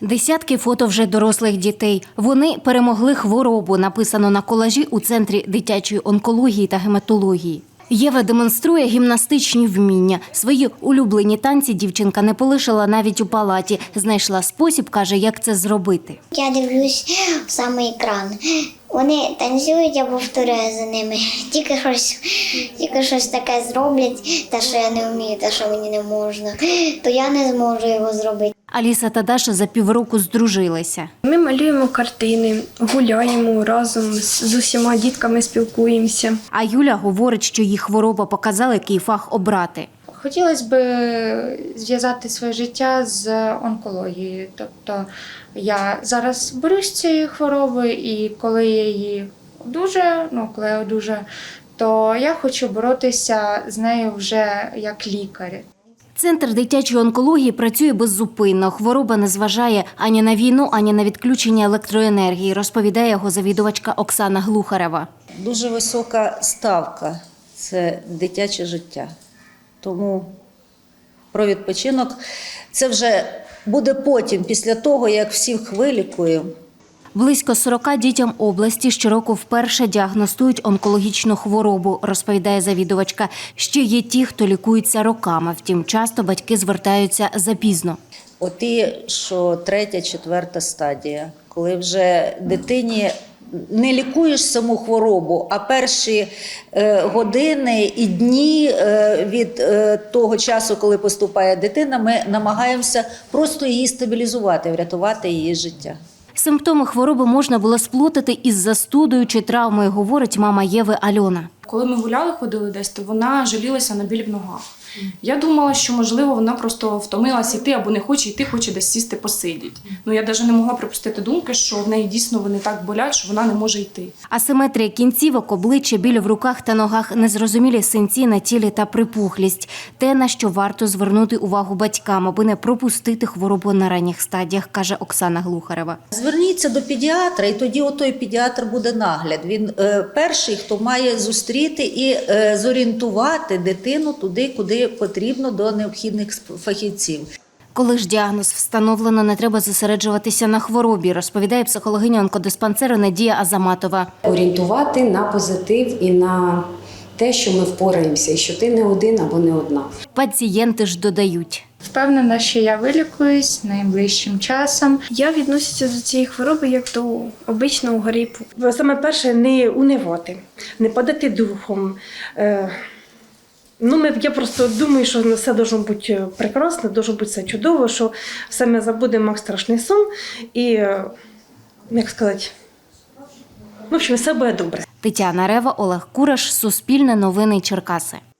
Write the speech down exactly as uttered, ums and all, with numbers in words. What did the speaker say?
Десятки фото вже дорослих дітей. Вони перемогли хворобу, написано на колажі у Центрі дитячої онкології та гематології. Єва демонструє гімнастичні вміння. Свої улюблені танці дівчинка не полишила навіть у палаті. Знайшла спосіб, каже, як це зробити. Я дивлюсь в самий екран. Вони танцюють, я повторяю за ними. Тільки щось, тільки щось таке зроблять, те, що я не вмію, те, що мені не можна, то я не зможу його зробити. Аліса та Даша за півроку здружилися. Ми малюємо картини, гуляємо разом, з усіма дітками спілкуємося. А Юля говорить, що їй хвороба показала, який фах обрати. Хотілося б зв'язати своє життя з онкологією. Тобто я зараз борюсь з цією хворобою, і коли я її одужаю, ну, коли я одужаю, то я хочу боротися з нею вже як лікар. Центр дитячої онкології працює беззупинно. Хвороба не зважає ані на війну, ані на відключення електроенергії, розповідає його завідувачка Оксана Глухарева. Дуже висока ставка – це дитяче життя. Тому про відпочинок – це вже буде потім, після того, як всіх вилікуємо. Близько сорока дітям області щороку вперше діагностують онкологічну хворобу, розповідає завідувачка. Ще є ті, хто лікується роками, втім часто батьки звертаються запізно. Оті, що третя, четверта стадія, коли вже дитині не лікуєш саму хворобу, а перші е, години і дні е, від е, того часу, коли поступає дитина, ми намагаємося просто її стабілізувати, врятувати її життя. Симптоми хвороби можна було сплутати із застудою чи травмою, говорить мама Єви Альона. Коли ми гуляли, ходили десь, то вона жалілася на біль в ногах. Я думала, що, можливо, вона просто втомилась йти або не хоче йти, хоче десь сісти, посидіти. Ну, я навіть не могла припустити думки, що в неї дійсно вони так болять, що вона не може йти. Асиметрія кінцівок, обличчя, біль в руках та ногах, незрозумілі синці на тілі та припухлість. Те, на що варто звернути увагу батькам, аби не пропустити хворобу на ранніх стадіях, каже Оксана Глухарева. Зверніться до педіатра, і тоді отой педіатр буде нагляд. Він е, перший, хто має зустріти і е, зорієнтувати дитину туди, куди потрібно, до необхідних фахівців. Коли ж діагноз встановлено, не треба зосереджуватися на хворобі, розповідає психологиня онкодиспансеру Надія Азаматова. Орієнтувати на позитив і на те, що ми впораємося, і що ти не один або не одна. Пацієнти ж додають. Впевнена, що я вилікуюсь найближчим часом. Я відносяся до цієї хвороби як до обичного грипу. Саме перше – не унивати, не падати духом. Ну, ми, я просто думаю, що все має бути прекрасно, має бути все чудово, що все ми забудемо, як страшний сон. І, як сказати, в общем, все буде добре. Тетяна Рева, Олег Кураш, Суспільне новини Черкаси.